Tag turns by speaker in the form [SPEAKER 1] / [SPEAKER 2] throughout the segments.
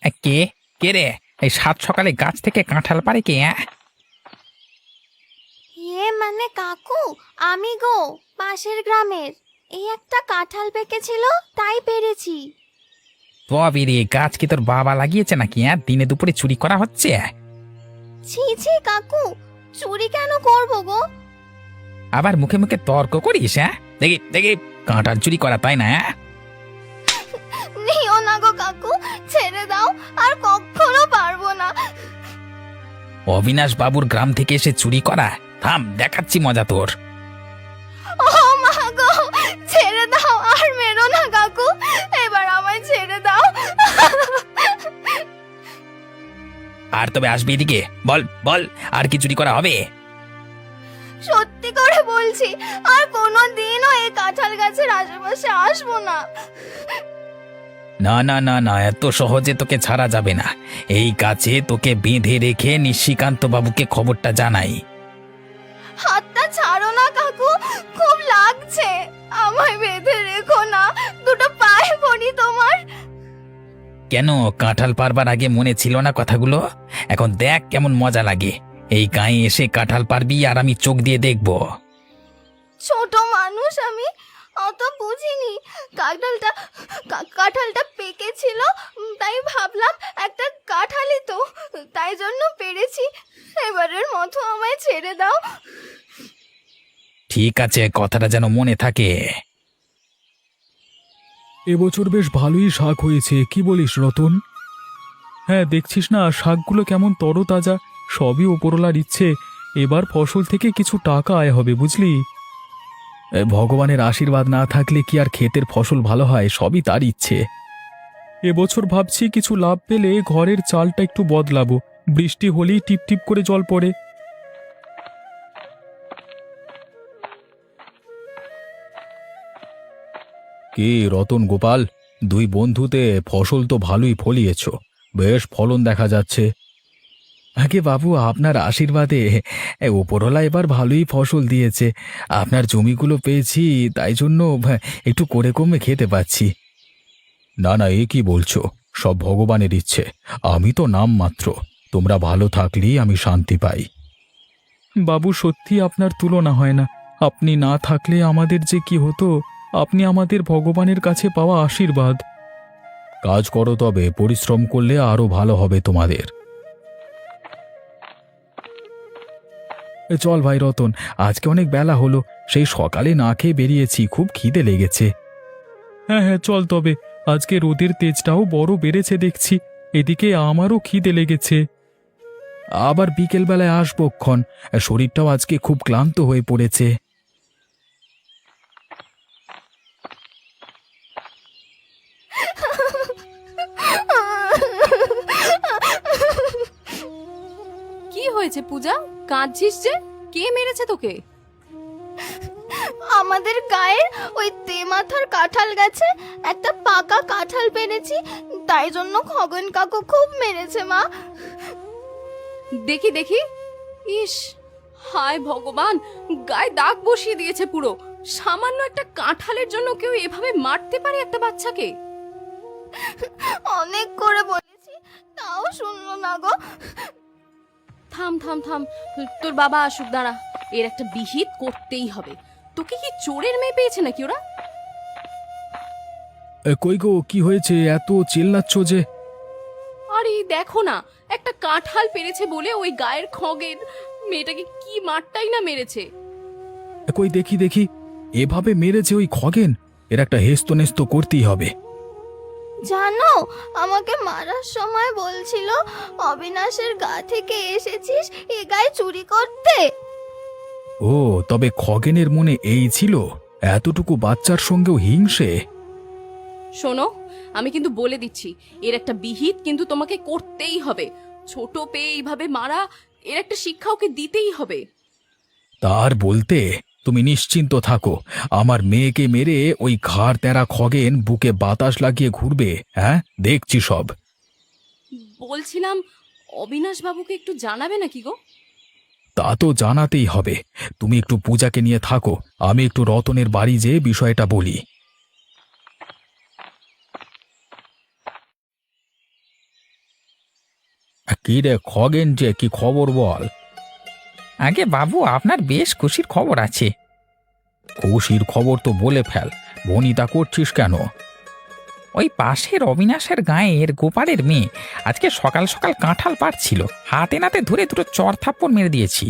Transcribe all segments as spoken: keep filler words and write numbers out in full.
[SPEAKER 1] এ, কে কে রে? এই সাত সকালে গাছ থেকে কাঁঠাল পারে কে? অ্যাঁ?
[SPEAKER 2] এ মানে কাকু, আমি গো, পাশের গ্রামের। এই একটা কাঁঠাল পেকেছিল, তাই পেরেছি।
[SPEAKER 1] তবে রে, গাছ কি তোর বাবা লাগিয়েছে নাকি? হ্যাঁ, দিনে দুপুরে চুরি করা হচ্ছে?
[SPEAKER 2] ছি ছি কাকু, চুরি কেন করবো গো?
[SPEAKER 1] আবার মুখে মুখে তর্ক করিস? হ্যাঁ, দেখি দেখি কাঁঠাল চুরি করা, তাই না? হ্যাঁ?
[SPEAKER 2] নিও না গো কাকু, ছেড়ে দাও, আর কখনো পারবো না।
[SPEAKER 1] অবিনাশ বাবুর গ্রাম থেকে এসে চুরি করা? থাম, দেখাচ্ছি মজা তোর।
[SPEAKER 2] ও মা গো, ছেড়ে দাও, আর মেরো না কাকু, এবার আমায় ছেড়ে দাও।
[SPEAKER 1] আর তবে আসবি এদিকে, বল বল, আর কি চুরি করা হবে?
[SPEAKER 2] সত্যি করে বলছি, আর কোনো দিনও এই কাঁঠাল গাছের আশেপাশে আসবো না।
[SPEAKER 1] না না না না, এত সহজে তোকে ছাড়া যাবে না। এই গাছে তোকে বেঁধে রেখে নিশিকান্ত বাবুকে খবরটা জানাই।
[SPEAKER 2] হাতটা ছাড়ো না কাকু, খুব লাগছে, আমায় বেঁধে রেখো না, দুটো পায়ে পড়ি তোমার।
[SPEAKER 1] কেন, কাঁঠাল পারবার আগে মনে ছিল না কথাগুলো? এখন দেখ কেমন মজা লাগে। এই গায়ে এসে কাঁঠাল পারবি আর আমি চোখ দিয়ে দেখব।
[SPEAKER 2] ছোট মানুষ আমি, অত বুঝিনি। কাঁঠালটা কা- কাঁঠালটা পেকেছিল, উম, তাই ভাবলাম একটা কাঁঠালই তো, তাই জন্য পেরেছি। এবারের মতো আমায় ছেড়ে দাও।
[SPEAKER 1] ঠিক আছে, কথাটা যেন মনে থাকে।
[SPEAKER 3] এবছর বেশ ভালোই শাক হয়েছে, কি বলিস রতন? হ্যাঁ, দেখছিস না শাকগুলো কেমন তরতাজা, সবই ওপরওয়ালার ইচ্ছে। এবার ফসল থেকে কিছু টাকা আয় হবে, বুঝলি? এ, ভগবানের আশীর্বাদ না থাকলে কি আর ক্ষেতের ফসল ভালো হয়? সবই তার ইচ্ছে। এবছর ভাবছি কিছু লাভ পেলে ঘরের চালটা একটু বদলাবো। বৃষ্টি হলেই টিপ টিপ করে জল পড়ে। কি রতন গোপাল, দুই বন্ধুতে ফসল তো ভালোই ফলিয়েছ, বেশ ফলন দেখা যাচ্ছে। আগে বাবু, আপনার আশীর্বাদে এ, ওপরওয়ালা এবার ভালোই ফসল দিয়েছে। আপনার জমিগুলো পেয়েছি, তাই জন্য ভা, একটু করে কমে খেতে পাচ্ছি। না না, এ কি বলছো? সব ভগবানের ইচ্ছে, আমি তো নাম মাত্র। তোমরা ভালো থাকলেই আমি শান্তি পাই। বাবু, সত্যি আপনার তুলনা হয় না। আপনি না থাকলে আমাদের যে কি হতো। আপনি আমাদের ভগবানের কাছে পাওয়া আশীর্বাদ। কাজ করো, তবে পরিশ্রম করলে আরো ভালো হবে তোমাদের। এ, চল ভাই রতন, আজকে অনেক বেলা হলো, সেই সকালে না খেয়ে বেরিয়েছি, খুব খিদে লেগেছে। হ্যাঁ হ্যাঁ, চল তবে। আজকে রোদের তেজটাও বড় বেড়েছে দেখছি, এদিকে আমারও খিদে লেগেছে। আবার বিকেল বেলায় আসবো ক্ষণ, শরীরটাও আজকে খুব ক্লান্ত হয়ে পড়েছে।
[SPEAKER 4] কি হয়েছে পূজা, কাঁদছিস যে? কে মেরেছে তোকে?
[SPEAKER 2] আমাদের গায়ের ওই তেমাথার কাঁঠাল গাছে একটা পাকা কাঁঠাল পেরেছি, তাই জন্য খগন কাকু খুব মেরেছে মা।
[SPEAKER 4] দেখি দেখি। ইস, হায় ভগবান, গায়ে দাগ বসিয়ে দিয়েছে পুরো। সামান্য একটা কাঁঠালের জন্য কেউ এভাবে মারতে পারে একটা বাচ্চাকে?
[SPEAKER 2] অনেক করে বলেছি, তাও শুনলো না গো।
[SPEAKER 4] থাম থাম থাম, তোর বাবা আসুক, দাঁড়া। এর একটা বিহিত করতেই হবে। তোকে কি চোরের মেয়ে পেয়েছে নাকি ওরা?
[SPEAKER 3] এ, কই গো, কি হয়েছে? এত চিল্লাচ্ছ যে?
[SPEAKER 4] আরে দেখো না, একটা কাঁঠাল পেরেছে বলে ওই গায়ের খগের মেয়েটাকে কি মারটাই না মেরেছে।
[SPEAKER 3] এ, কই দেখি দেখি, এভাবে মেরেছে ওই খগেন? এর একটা হেস্ত নেস্ত করতেই হবে।
[SPEAKER 2] জানো, আমাকে মারার সময় বলছিল অবিনাশের গা থেকে এসেছিস এ গায়ে চুরি করতে।
[SPEAKER 3] ও, তবে খগেনের মনে এই ছিল? এতটুকু বাচ্চার সঙ্গেও হিংসে?
[SPEAKER 4] শোনো, আমি কিন্তু বলে দিচ্ছি, এর একটা বিহিত কিন্তু তোমাকে করতেই হবে। ছোট পেয়ে এইভাবে মারা, এর একটা শিক্ষা ওকে দিতেই হবে।
[SPEAKER 3] তার বলতে, তুমি নিশ্চিন্ত থাকো, আমার মেয়েকে মেরে ওই ঘাড় তেরা খগেন বুকে বাতাস লাগিয়ে ঘুরবে। হ্যাঁ, দেখছি সব।
[SPEAKER 4] বলছিলাম, অবিনাশ বাবুকে একটু জানাবে নাকি গো?
[SPEAKER 3] তা তো জানাতেই হবে। তুমি একটু পূজাকে নিয়ে থাকো, আমি একটু রতনের বাড়ি যেয়ে বিষয়টা বলি। কি রে খগেন, যে কি খবর বল?
[SPEAKER 1] আগে বাবু, আপনার বেশ খুশির খবর আছে।
[SPEAKER 3] খুশির খবর তো বলে ফেল, বনিতা করছিস কেন?
[SPEAKER 1] ওই পাশের অবিনাশের গাঁয়ের গোপালের মেয়ে আজকে সকাল সকাল কাঁঠাল পাড়ছিল, হাতে নাতে ধরে দুটো চর থাপ্পড় মেরে দিয়েছি।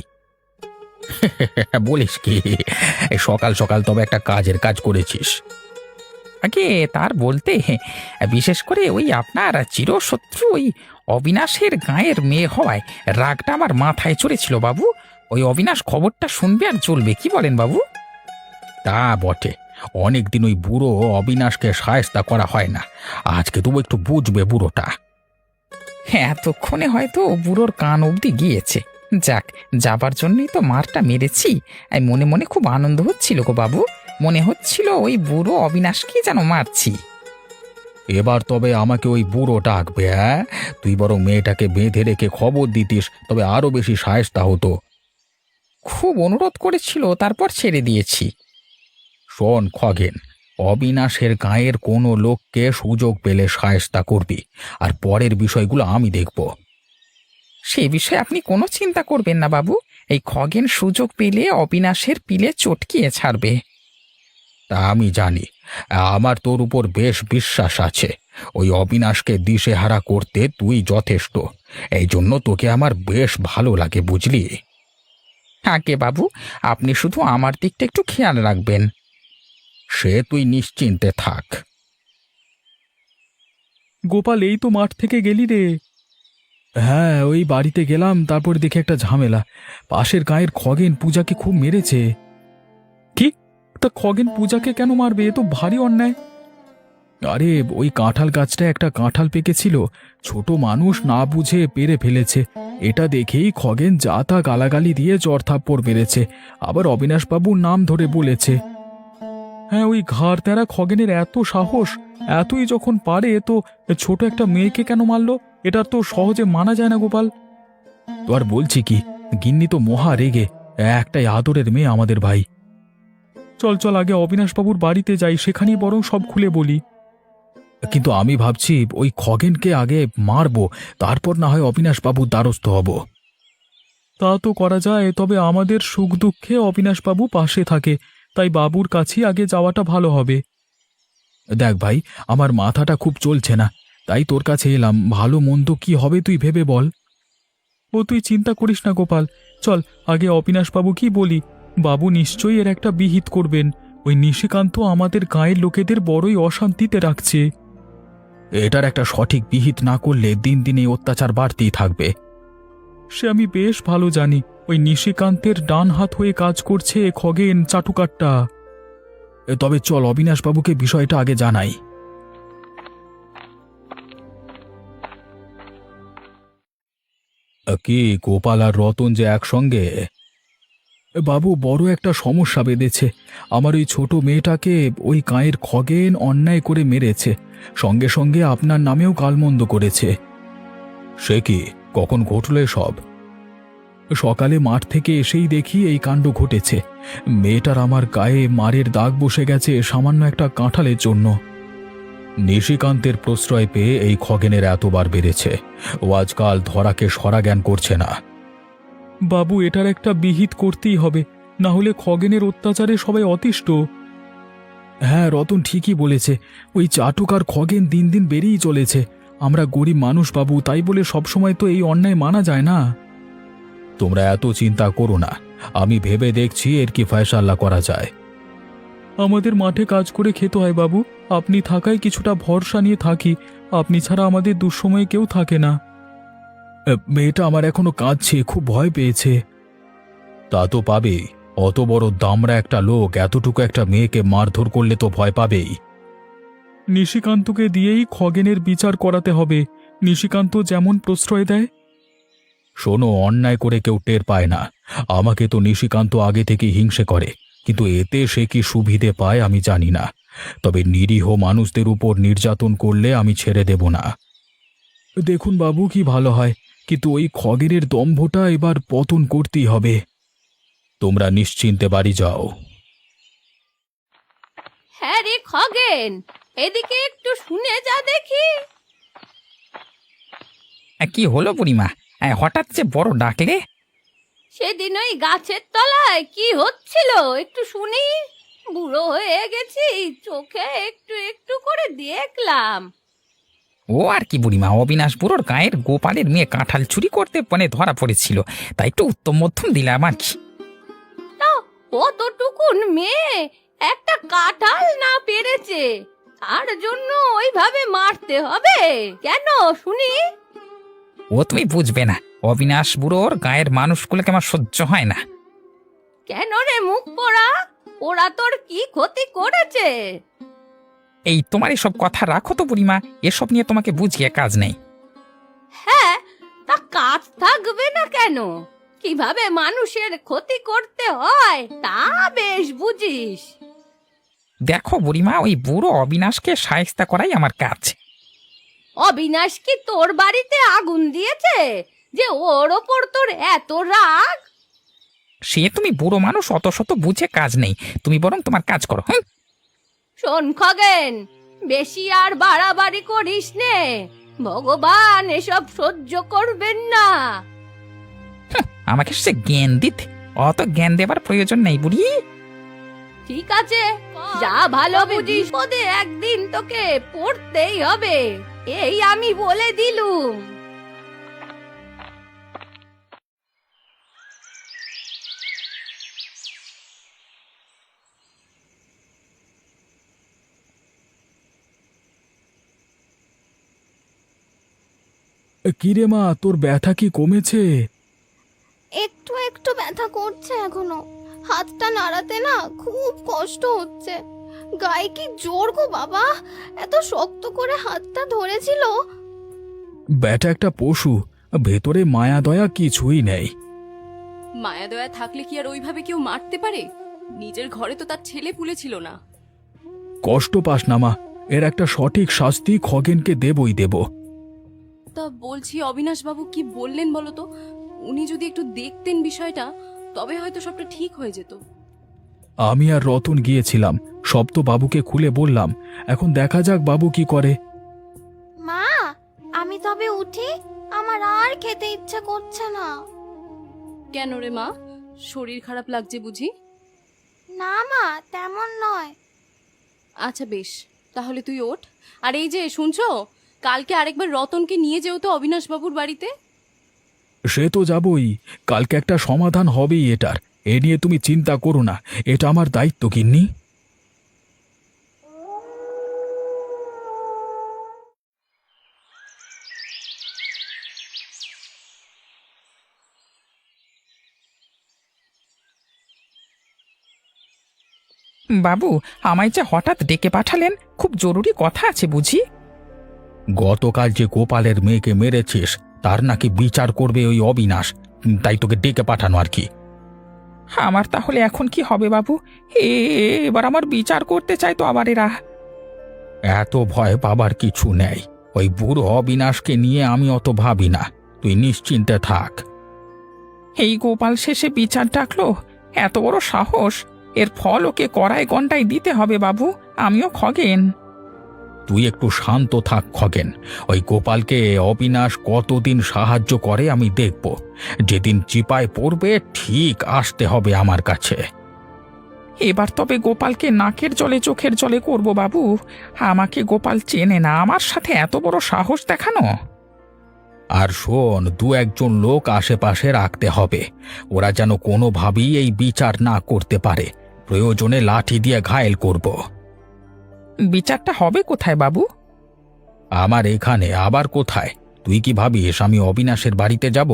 [SPEAKER 3] বলিস কি? এই সকাল সকাল তবে একটা কাজের কাজ করেছিস।
[SPEAKER 1] আগে তার বলতে, বিশেষ করে ওই আপনার চিরশত্রু ওই অবিনাশের গাঁয়ের মেয়ে হওয়ায় রাগটা আমার মাথায় চড়েছিল বাবু। ওই অবিনাশ খবরটা শুনবে আর চলবে, কি বলেন বাবু?
[SPEAKER 3] তা বটে, অনেকদিন ওই বুড়ো অবিনাশকে সায়স্তা করা হয় না, আজকে তবু একটু বুঝবে বুড়োটা।
[SPEAKER 1] হ্যাঁ, এতক্ষণে হয়তো বুড়োর কান অবধি গিয়েছে। যাক, যাবার জন্যই তো মারটা মেরেছি। এই মনে মনে খুব আনন্দ হচ্ছিল গো বাবু, মনে হচ্ছিল ওই বুড়ো অবিনাশকে যেন মারছি।
[SPEAKER 3] এবার তবে আমাকে ওই বুড়ো ডাকবে? হ্যাঁ, তুই বরং মেয়েটাকে বেঁধে রেখে খবর দিতিস, তবে আরো বেশি সায়স্তা হতো।
[SPEAKER 1] খুব অনুরোধ করেছিল, তারপর ছেড়ে দিয়েছি।
[SPEAKER 3] শোন খগেন, অবিনাশের গাঁয়ের কোনো লোককে সুযোগ পেলে সায়স্তা করবি, আর পরের বিষয়গুলো আমি দেখব।
[SPEAKER 1] সেই বিষয়ে আপনি কোনো চিন্তা করবেন না বাবু, এই খগেন সুযোগ পেলে অবিনাশের পিলে চটকিয়ে ছাড়বে।
[SPEAKER 3] তা আমি জানি, আমার তোর উপর বেশ বিশ্বাস আছে। ওই অবিনাশকে দিশেহারা করতে তুই যথেষ্ট, এই জন্য তোকে আমার বেশ ভালো লাগে, বুঝলি?
[SPEAKER 1] আগে বাবু, আপনি শুধু আমার দিকটা একটু খেয়াল রাখবেন।
[SPEAKER 3] সে তুই নিশ্চিন্তে থাক।
[SPEAKER 5] গোপাল, এই তো মাঠ থেকে গেলি রে। হ্যাঁ, ওই বাড়িতে গেলাম, তারপর দেখে একটা ঝামেলা। পাশের গাঁয়ের খগেন পূজাকে খুব মেরেছে। কি? তা খগেন পূজাকে কেন মারবে? এ তো ভারী অন্যায়। আরে, ওই কাঁঠাল গাছটা একটা কাঁঠাল পেকেছিল, ছোট মানুষ না বুঝে পেরে ফেলেছে। এটা দেখেই খগেন যা তা গালাগালি দিয়ে চড়থাপ্পড় মেরেছে, আবার অবিনাশবাবুর নাম ধরে বলেছে। হ্যাঁ, ওই ঘাড় তেরা খগেনের এত সাহস, এতই যখন পারে তো ছোট একটা মেয়েকে কেন মারলো? এটা তো সহজে মানা যায় না গোপাল। তো আর বলছি কি, গিন্নি তো মহা রেগে, একটাই আদরের মেয়ে আমাদের ভাই। চল চল, আগে অবিনাশবাবুর বাড়িতে যাই, সেখানেই বরং সব খুলে বলি। কিন্তু আমি ভাবছি ওই খগেনকে আগে মারবো, তারপর না হয় অবিনাশবাবুর দ্বারস্থ হব। তা তো করা যায়, তবে আমাদের সুখ দুঃখে অবিনাশবাবু পাশে থাকে, তাই বাবুর কাছেই আগে যাওয়াটা ভালো হবে। দেখ ভাই, আমার মাথাটা খুব চলছে না, তাই তোর কাছে এলাম। ভালো মন্দ কি হবে তুই ভেবে বল। ও তুই চিন্তা করিস না গোপাল, চল আগে অবিনাশবাবু কি বলি। বাবু নিশ্চয়ই এর একটা বিহিত করবেন। ওই নিশিকান্ত আমাদের গাঁয়ের লোকেদের বড়ই অশান্তিতে রাখছে। এটার একটা সঠিক বিহিত না করলে দিন দিন এই অত্যাচার বাড়তেই থাকবে। সে আমি বেশ ভালো জানি। ওই নিশিকান্তের ডান হাত হয়ে কাজ করছে খগেন চাটুকারটা। তবে চল অবিনাশবাবুকে বিষয়টা আগে জানাই।
[SPEAKER 3] কি গোপাল আর রতন যে একসঙ্গে?
[SPEAKER 5] বাবু, বড় একটা সমস্যা বেঁধেছে। আমার ওই ছোট মেয়েটাকে ওই গাঁয়ের খগেন অন্যায় করে মেরেছে, সঙ্গে সঙ্গে আপনার নামেও গালমন্দ করেছে।
[SPEAKER 3] সে কি? কখন ঘটল সব?
[SPEAKER 5] সকালে মাঠ থেকে এসেই দেখি এই কাণ্ড ঘটেছে। মেয়েটার আমার গায়ে মারের দাগ বসে গেছে সামান্য একটা কাঁঠালের জন্য।
[SPEAKER 3] নিশিকান্তের প্রশ্রয় পেয়ে এই খগেনের এতবার বেড়েছে, ও আজকাল ধরাকে সরা জ্ঞান করছে না।
[SPEAKER 5] বাবু, এটার একটা বিহিত করতেই হবে, না হলে খগেনের অত্যাচারে সবাই অতিষ্ঠ। হ্যাঁ, রতন ঠিকই বলেছে। ওই চাটুক আর খগেন দিন দিন বেড়েই চলেছে। আমরা গরিব মানুষ বাবু, তাই বলে সবসময় তো এই অন্যায় মানা যায় না।
[SPEAKER 3] তোমরা এত চিন্তা করো না, আমি ভেবে দেখছি এর কি ফয়সাল্লা করা যায়।
[SPEAKER 5] আমাদের মাঠে কাজ করে খেতে হয় বাবু, আপনি থাকায় কিছুটা ভরসা নিয়ে থাকি। আপনি ছাড়া আমাদের দুঃসময়ে কেউ থাকে না। মেয়েটা আমার এখনো কাঁদছে, খুব ভয় পেয়েছে।
[SPEAKER 3] তা তো পাবেই, অত বড় দামড়া একটা লোক এতটুকু একটা মেয়েকে মারধর করলে তো ভয় পাবেই।
[SPEAKER 5] নিশিকান্তকে দিয়েই খগেনের বিচার করাতে হবে। নিশিকান্ত যেমন প্রশ্রয় দেয়।
[SPEAKER 3] শোনো, অন্যায় করে কেউ টের পায় না। আমাকে তো নিশিকান্ত আগে থেকে হিংসে করে, কিন্তু এতে সে কি সুবিধে পায় আমি জানি না। তবে নিরীহ মানুষদের উপর নির্যাতন করলে আমি ছেড়ে দেব না।
[SPEAKER 5] দেখুন বাবু, কি ভালো হয়, কিন্তু ওই খগেনের দম্ভটা এবার পতন করতেই হবে।
[SPEAKER 3] তোমরা নিশ্চিন্তে বাড়ি যাও।
[SPEAKER 4] হ্যাঁ রে খগেন, এদিকে একটু শুনে যা দেখি।
[SPEAKER 1] কি হলো বুড়িমা? হ্যাঁ, হঠাৎ যে বড় ডাকলে?
[SPEAKER 4] সেদিন ওই গাছের তলায় কি হচ্ছিল একটু শুনি। বুড়ো হয়ে গেছি, চোখে একটু একটু করে দেখলাম।
[SPEAKER 1] ও আর কি বুড়িমা, অবিনাশ বুড়োর গায়ের গোপালের মেয়ে কাঁঠাল চুরি করতে মানে ধরা পড়েছিল, তাই একটু উত্তম মধ্যম দিলাম আর কি।
[SPEAKER 4] তা কতটুকুন মেয়ে একটা কাঁঠাল না পেরেছে, তার জন্য ওইভাবে মারতে হবে কেন শুনি?
[SPEAKER 1] ও তুমি বুঝবে না, অবিনাশ বুড়োর গায়ের মানুষগুলোকে আমার সহ্য হয় না।
[SPEAKER 4] কেন রে মুখ পোড়া, ওরা তোর কি ক্ষতি করেছে?
[SPEAKER 1] এই তোমার এসব কথা রাখো তো বুড়িমা, এসব নিয়ে তোমাকে বুঝিয়ে কাজ নেই।
[SPEAKER 4] হ্যাঁ, তা কাজ থাকবে না কেন? কিভাবে মানুষের ক্ষতি করতে হয় তা বেশ বুঝিস।
[SPEAKER 1] দেখো বুড়িমা, ওই বুড়ো অবিনাশকে শায়েস্তা করাই আমার কাজ।
[SPEAKER 4] অবিনাশ কি তোর বাড়িতে আগুন দিয়েছে যে ওর ওপর তোর এত রাগ?
[SPEAKER 1] সে তুমি বুড়ো মানুষ, অত শত বুঝে কাজ নেই, তুমি বরং তোমার কাজ করো। হ্যাঁ,
[SPEAKER 4] শোন খগেন, বেশি আর বাড়াবাড়ি করিস নে, ভগবান এসব সহ্য করবেন না।
[SPEAKER 1] আমাকে সে জ্ঞান দিতে, অত জ্ঞান দেবার প্রয়োজন নেই বুড়ি।
[SPEAKER 4] ঠিক আছে, যা ভালো বুঝিস, পদে একদিন তোকে পড়তেই হবে, এই আমি বলে দিলুম।
[SPEAKER 5] কিরে মা, তোর ব্যথা কি কমেছে?
[SPEAKER 2] একটু একটু ব্যথা করছে এখনো, হাতটা নাড়াতে না খুব কষ্ট হচ্ছে। গায়ে কি জোর গো বাবা, এত শক্ত করে হাতটা ধরেছিল।
[SPEAKER 5] ব্যাটা একটা পশু, ভেতরে মায়া দয়া কিছুই নেই।
[SPEAKER 4] মায়া দয়া থাকলে কি আর ওইভাবে কেউ মারতে পারে? নিজের ঘরে তো তার ছেলে পুলে ছিল না।
[SPEAKER 5] কষ্ট পাস না মা, এর একটা সঠিক শাস্তি খগেনকে দেবই দেব।
[SPEAKER 4] তা বলছি, অবিনাশ বাবু কি বললেন বলো তো? উনি যদি একটু দেখতেন বিষয়টা, তবে হয়তো সবটা ঠিক হয়ে যেত।
[SPEAKER 5] আমি আর রতন গিয়েছিলাম, সব তো বাবুকে খুলে বললাম। এখন দেখা যাক বাবু কি করে।
[SPEAKER 2] মা, আমি তবে উঠি, আমার আর খেতে ইচ্ছে করছে না।
[SPEAKER 4] কেন রে মা, শরীর খারাপ লাগছে বুঝি?
[SPEAKER 2] না মা, তেমন নয়।
[SPEAKER 4] আচ্ছা বেশ, তাহলে তুই ওঠ। আর এই যে শুনছো, কালকে আরেকবার রতনকে নিয়ে যেও তো অবিনাশ বাবুর বাড়িতে।
[SPEAKER 5] সে তো যাবই, কালকে একটা সমাধান হবেই এটার, এ নিয়ে তুমি চিন্তা করো না, এটা আমার দায়িত্ব গিন্নি।
[SPEAKER 1] বাবু, আমায় যে হঠাৎ ডেকে পাঠালেন, খুব জরুরি কথা আছে বুঝি।
[SPEAKER 3] গতকাল যে গোপালের মেয়েকে মেরেছিস তার নাকি বিচার করবে ওই অবিনাশ, তাই তোকে ডেকে পাঠানো আর কি।
[SPEAKER 1] আমার তাহলে এখন কি হবে বাবু? এ এবার আমার বিচার করতে চাই তো আবার এরা।
[SPEAKER 3] এত ভয় পাবার কিছু নেই, ওই বুড়ো অবিনাশকে নিয়ে আমি অত ভাবি না, তুই নিশ্চিন্তে থাক।
[SPEAKER 1] এই গোপাল শেষে বিচার ডাকলো, এত বড় সাহস! এর ফল ওকে কড়ায় গন্ডায় দিতে হবে বাবু, আমিও খগেন।
[SPEAKER 3] তুই একটু শান্ত থাক খগেন, ওই গোপালকে অবিনাশ কতদিন সাহায্য করে আমি দেখব, যেদিন চিপায় পড়বে ঠিক আসতে হবে আমার কাছে।
[SPEAKER 1] এবার তবে গোপালকে নাকের জলে চোখের জলে করব বাবু, আমাকে গোপাল চেনে না, আমার সাথে এত বড় সাহস দেখানো।
[SPEAKER 3] আর শোন, দু একজন লোক আশেপাশে রাখতে হবে, ওরা যেন কোনোভাবেই এই বিচার না করতে পারে, প্রয়োজনে লাঠি দিয়ে ঘায়েল করব।
[SPEAKER 1] বিচারটা হবে কোথায় বাবু?
[SPEAKER 3] আমার এখানে আবার কোথায়? তুই কি ভাবিস আমি অবিনাশের বাড়িতে যাব?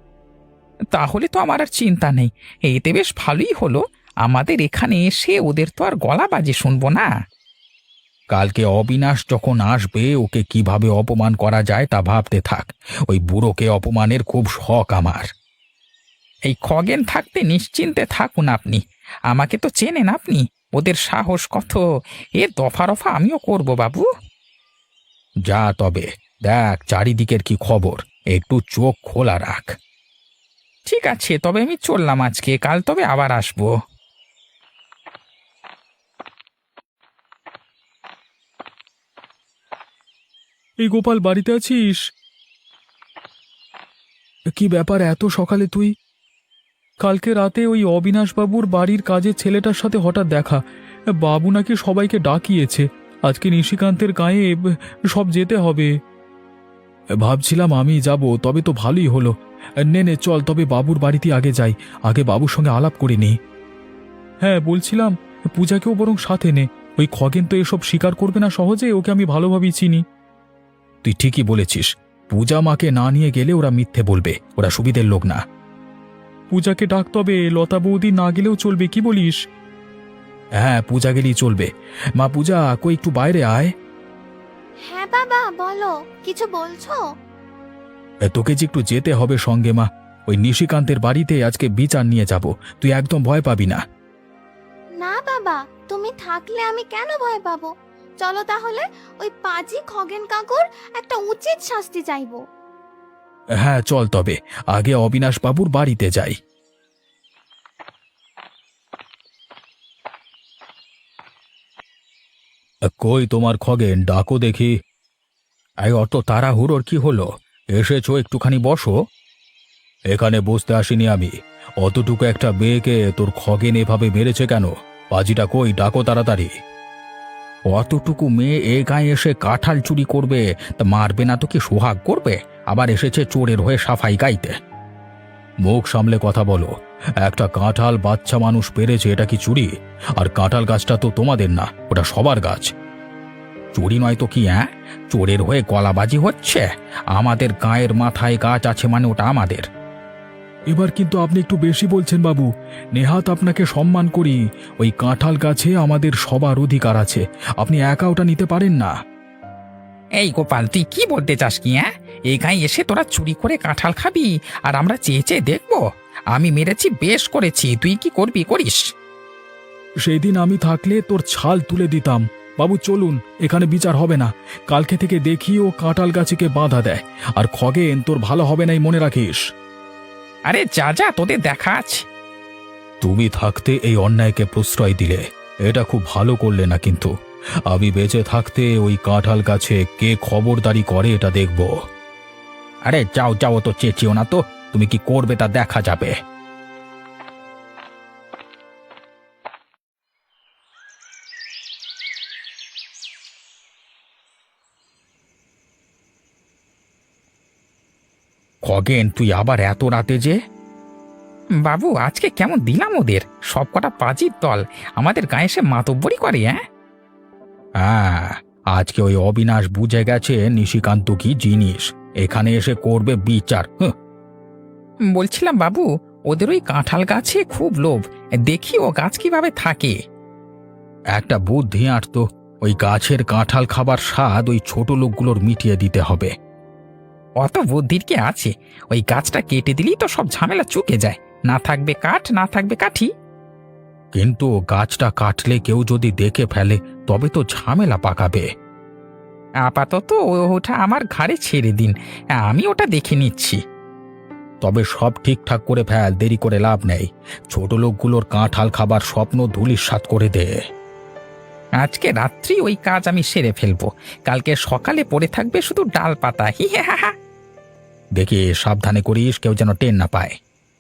[SPEAKER 1] তাহলে তো আমার আর চিন্তা নেই, এতে বেশ ভালোই হলো, আমাদের এখানে এসে ওদের তো আর গলা বাজে শুনবো না।
[SPEAKER 3] কালকে অবিনাশ যখন আসবে ওকে কিভাবে অপমান করা যায় তা ভাবতে থাক, ওই বুড়োকে অপমানের খুব শখ আমার।
[SPEAKER 1] এই খগেন থাকতে নিশ্চিন্তে থাকুন আপনি, আমাকে তো চেনেন আপনি, ওদের সাহস কত, এ দফা রফা আমিও করব বাবু।
[SPEAKER 3] যা তবে, দেখ চারিদিকের কি খবর, একটু চোখ খোলা রাখ।
[SPEAKER 1] ঠিক আছে, তবে আমি চললাম আজকে, কাল তবে আবার আসবো।
[SPEAKER 5] এই গোপাল, বাড়িতে আছিস? কি ব্যাপার এত সকালে তুই? কালকে রাতে ওই অবিনাশবাবুর বাড়ির কাজের ছেলেটার সাথে হঠাৎ দেখা। বাবু নাকি সবাইকে ডাকিয়েছে, আজকে নিশিকান্তের গায়ে সব যেতে হবে। ভাবছিলাম আমি যাব, তবে তো ভালোই হলো। নে নে চল, তবে বাবুর বাড়িতে আগে যাই, আগে বাবুর সঙ্গে আলাপ করে নিই। হ্যাঁ বলছিলাম, পূজাকেও বরং সাথে নে। ওই খগেন তো এসব স্বীকার করবে না সহজে, ওকে আমি ভালোভাবেই চিনি। তুই ঠিকই বলেছিস, পূজা মাকে না নিয়ে গেলে ওরা মিথ্যে বলবে, ওরা সুবিধের লোক না। পূজাকে ডাক, তবে লতা বৌদি না গেলেও চলবে, কি বলিস? হ্যাঁ পূজা গেলেই চলবে। মা পূজা, কই একটু বাইরে আয়।
[SPEAKER 2] হ্যাঁ বাবা, বলো, কিছু বলছো?
[SPEAKER 5] এ, তোকে যে একটু যেতে হবে সঙ্গে মা। ওই নিশিকান্তের বাড়িতে আজকে বিচার নিয়ে যাব, তুই একদম ভয় পাবি না।
[SPEAKER 2] না বাবা, তুমি থাকলে আমি কেন ভয় পাবো? চলো তাহলে, ওই পাজি খগেন কাকুর একটা উচিত শাস্তি চাইবো।
[SPEAKER 5] হ্যাঁ চল, তবে আগে অবিনাশ বাবুর বাড়িতে যাই। কই তোমার খগেন, ডাকো দেখি। এই অত তাড়াহুড়োর কি হলো? এসেছো, একটুখানি বসো। এখানে বসতে আসিনি আমি। অতটুকু একটা মেয়েকে তোর খগেন এভাবে মেরেছে কেন? পাজিটা কই, ডাকো তাড়াতাড়ি। অতটুকু মেয়ে এ গায়ে এসে কাঁঠাল চুরি করবে, তা মারবে না তো কি সোহাগ করবে? আবার এসেছে চোরের হয়ে সাফাই গাইতে। মুখ সামলে কথা বলো। একটা কাঁঠাল বাচ্চা মানুষ পেরেছে, এটা কি চুরি? আর কাঁঠাল গাছটা তো তোমাদের না, ওটা সবার গাছ। চুরি নয় তো কি? হ্যাঁ, চোরের হয়ে গলাবাজি হচ্ছে। আমাদের গায়ের মাথায় গাছ আছে মানে ওটা আমাদের। এবার কিন্তু আপনি একটু বেশি বলছেন বাবু। নেহাত আপনাকে সম্মান করি, ওই কাঁঠাল গাছে আমাদের সবার অধিকার আছে, আপনি একা ওটা নিতে পারেন না।
[SPEAKER 1] এই গোপাল, তুই কি বলতে চাস কি? হ্যাঁ, এই গায়ে এসে তোরা চুরি করে কাঁঠাল খাবি আর আমরা চেয়ে চেয়ে দেখবো? আমি মেরেছি, বেশ করেছি, তুই কি করবি করিস।
[SPEAKER 5] সেই দিন আমি থাকলে তোর ছাল তুলে দিতাম। বাবু চলুন, এখানে বিচার হবে না। কালকে থেকে দেখি ও কাঁঠাল গাছকে বাধা দেয়। আর খগেন, তোর ভালো হবে নাই, মনে রাখিস।
[SPEAKER 1] আরে যা যা, তোদের দেখা আছে।
[SPEAKER 5] তুমি থাকতে এই অন্যায়কে প্রশ্রয় দিলে, এটা খুব ভালো করলে না। কিন্তু আমি বেঁচে থাকতে ওই কাঁঠাল গাছে কে খবরদারি করে এটা দেখব।
[SPEAKER 1] আরে যাও যাও, তো চেঁচিও না তো, তুমি কি করবে তা দেখা যাবে। খগেন, তুই আবার এত রাতে যে? বাবু, আজকে কেমন দিলাম ওদের, সব কটা পাজির দল আমাদের গায়ে এসে মাতব্বরি করে। হ্যাঁ
[SPEAKER 5] হ্যাঁ, আজকে ওই অবিনাশ বুঝে গেছে নিশিকান্ত কি জিনিস, এখানে এসে করবে বিচার। হুঁ।
[SPEAKER 1] বলছিলাম বাবু, ওদের ওই কাঁঠাল গাছে খুব লোভ, দেখি ও গাছ কিভাবে থাকে।
[SPEAKER 5] একটা বুদ্ধি আঁটতো, ওই গাছের কাঁঠাল খাবার স্বাদ ওই ছোট লোকগুলোর মিটিয়ে দিতে হবে।
[SPEAKER 1] অত বুদ্ধির কি আছে? ওই গাছটা কেটে দিলেই তো সব ঝামেলা চুকে যায়, না থাকবে কাঠ, না থাকবে কাঠি।
[SPEAKER 5] কিন্তু গাছটা কাটলে কেউ যদি দেখে ফেলে, তবে তো ঝামেলা পাকাবে।
[SPEAKER 1] আপাতত ও- ওটা আমার ঘাড়ে ছেড়ে দিন, আমি ওটা দেখে নিচ্ছি।
[SPEAKER 5] তবে সব ঠিকঠাক করে ফেল, দেরি করে লাভ নেই। ছোট লোকগুলোর কাঁঠাল খাবার স্বপ্ন ধূলিসাৎ করে দে।
[SPEAKER 1] আজকে রাত্রি ওই কাজ আমি সেরে ফেলবো, কালকে সকালে পড়ে থাকবে শুধু ডাল পাতা। হি হা হা হা।
[SPEAKER 5] দেখি সাবধানে করিস, কেউ যেন টের না পায়।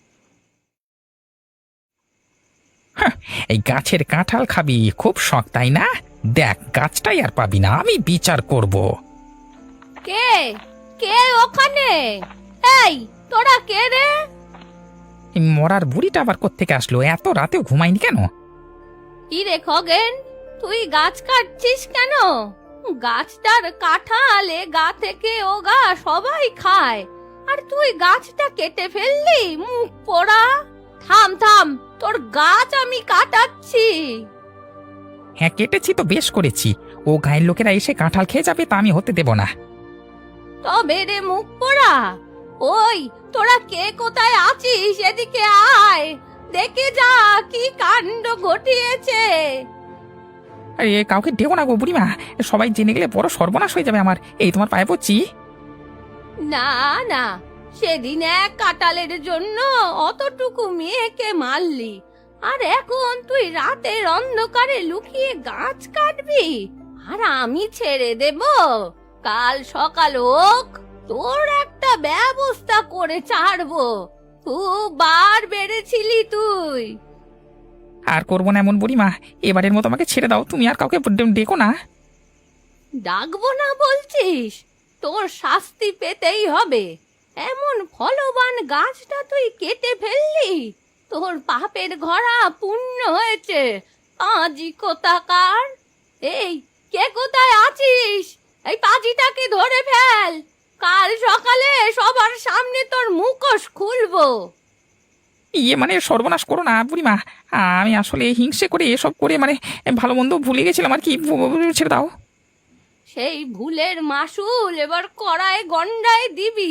[SPEAKER 1] হাহ, এই গাছের কাঁঠাল খাবি খুব শখ, তাই না? দেখ, গাছটাই আর পাবি না, আমি বিচার করব।
[SPEAKER 4] কে কে ওখানে? এই তোরা কে রে?
[SPEAKER 1] এই মরার বুড়িটা আবার কোত্থেকে আসলো? এত রাতেও ঘুমায়নি কেন?
[SPEAKER 4] কি রে খগেন, তুই গাছ কাটছিস কেন? গাছটার কাঁঠালে গা থেকে ও গা সবাই খায়, আর তুই গাছটা কেটে ফেললি, মুখ পোড়া। থাম থাম, তোর গাছ আমি কাটাচ্ছি।
[SPEAKER 1] হ্যাঁ, কেটেছি তো বেশ করেছি, ও গায়ের লোকেরা এসে কাঁঠাল খেয়ে যাবে, তা আমি হতে দেব না।
[SPEAKER 4] তবে রে মুখ পোড়া, ওই তোরা কে কোথায় আছিস, এদিকে আয়, দেখে যা কি কাণ্ড ঘটিয়েছে।
[SPEAKER 1] আরে কাউকে ডেও না গো বুড়িমা, সবাই জেনে গেলে বড় সর্বনাশ হয়ে যাবে আমার। এই তোমার পায়ে পড়ছি।
[SPEAKER 4] না না, সেদিন এক কাঁঠালের জন্য অতটুকু মেয়েকে মারলি, আর এখন তুই রাতের অন্ধকারে লুকিয়ে গাছ কাটবি, আর আমি ছেড়ে দেব? কাল সকাল হোক, তোর একটা ব্যবস্থা করে ছাড়বো। খুব বার বেড়েছিলি তুই।
[SPEAKER 1] আর করবো না এমন বুড়িমা, এবারের মতো আমাকে ছেড়ে দাও, তুমি আর কাউকে ডে- ডেকো না।
[SPEAKER 4] ডাকবো না বলছিস? তোর শাস্তি পেতেই হবে। এমন ফলবান গাছটা তুই কেটে ফেললি, তোর পাপের ঘোড়া পূর্ণ হয়েছে। পাজি কোথাকার! এই, কে কোথায় আছিস? এই পাজিটাকে ধরে ফেল। কাল সকালে সবার সামনে তোর মুখোশ খুলবো।
[SPEAKER 1] ইয়ে মানে সর্বনাশ করো না বুড়িমা, আমি আসলে হিংসে করে এসব করে মানে ভালো মন্দ ভুলে গেছিলাম আর কি, ছেড়ে দাও।
[SPEAKER 4] সেই ভুলের মাসুল এবার কড়ায় গন্ডায় দিবি।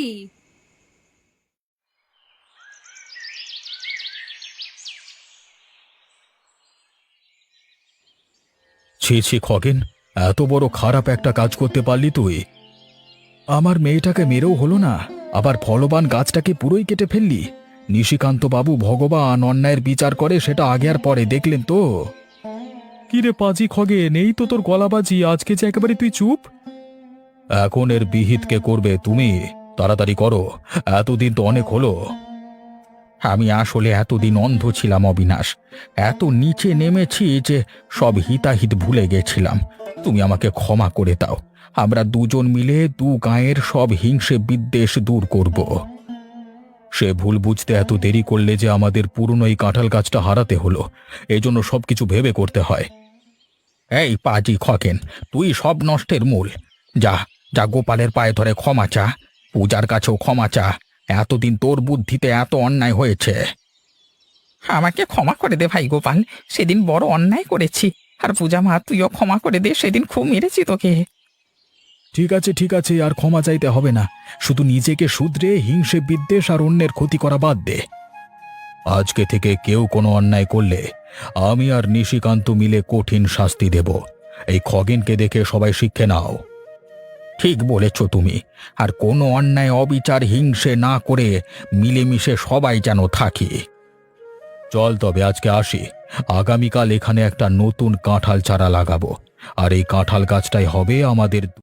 [SPEAKER 3] ছি ছি খগেন, এত বড় খারাপ একটা কাজ করতে পারলি তুই। আমার মেয়েটাকে মেরেও হলো না, আবার ফলবান গাছটাকে পুরোই কেটে ফেললি। নিশিকান্ত বাবু ভগবান অন্যায়ের বিচার করে, সেটা আগে আর পরে দেখলেন তো। কি রে পাজি খগেন, এই তো তোর গলাবাজি, আজকে যে একেবারে তুই চুপ। এখন এর বিহিত কে করবে? তুমি তাড়াতাড়ি করো, এতদিন তো অনেক হলো।
[SPEAKER 1] আমি আসলে এতদিন অন্ধ ছিলাম অবিনাশ, এত নিচে নেমেছি যে সব হিতাহিত ভুলে গেছিলাম। তুমি আমাকে ক্ষমা করে দাও, আমরা দুজন মিলে দু গাঁয়ের সব হিংসে বিদ্বেষ দূর করব।
[SPEAKER 3] সে ভুল বুঝতে এত দেরি করলে যে আমাদের পুরনো এই কাঁঠাল গাছটা হারাতে হলো, এই জন্য সবকিছু ভেবে করতে হয়।
[SPEAKER 1] এই পাজি খকেন, তুই সব নষ্টের মূল। যা যা গোপালের পায়ে ধরে ক্ষমা চা, পূজার কাছেও ক্ষমা চা। এতদিন তোর বুদ্ধিতে এত অন্যায় হয়েছে। আমাকে ক্ষমা করে দে ভাই গোপাল, সেদিন বড় অন্যায় করেছি। আর পূজা মা, তুইও ক্ষমা করে দে, সেদিন খুব মেরেছি তোকে।
[SPEAKER 3] ঠিক আছে ঠিক আছে, আর ক্ষমা চাইতে হবে না। শুধু নিজেকে শুধরে হিংসে বিদ্বেষ আর অন্যের ক্ষতি করা বাদ দে। আজকে থেকে কেউ কোনো অন্যায় করলে আমি আর নিশিকান্ত মিলে কঠিন শাস্তি দেব। এই খগেনকে দেখে সবাই শিক্ষে নাও।
[SPEAKER 1] ঠিক বলেছ তুমি, আর কোনো অন্যায় অবিচার হিংসে না করে মিলেমিশে সবাই যেন থাকি।
[SPEAKER 3] চল তবে আজকে আসি, আগামীকাল এখানে একটা নতুন কাঁঠাল চারা লাগাবো, আর এই কাঁঠাল গাছটাই হবে আমাদের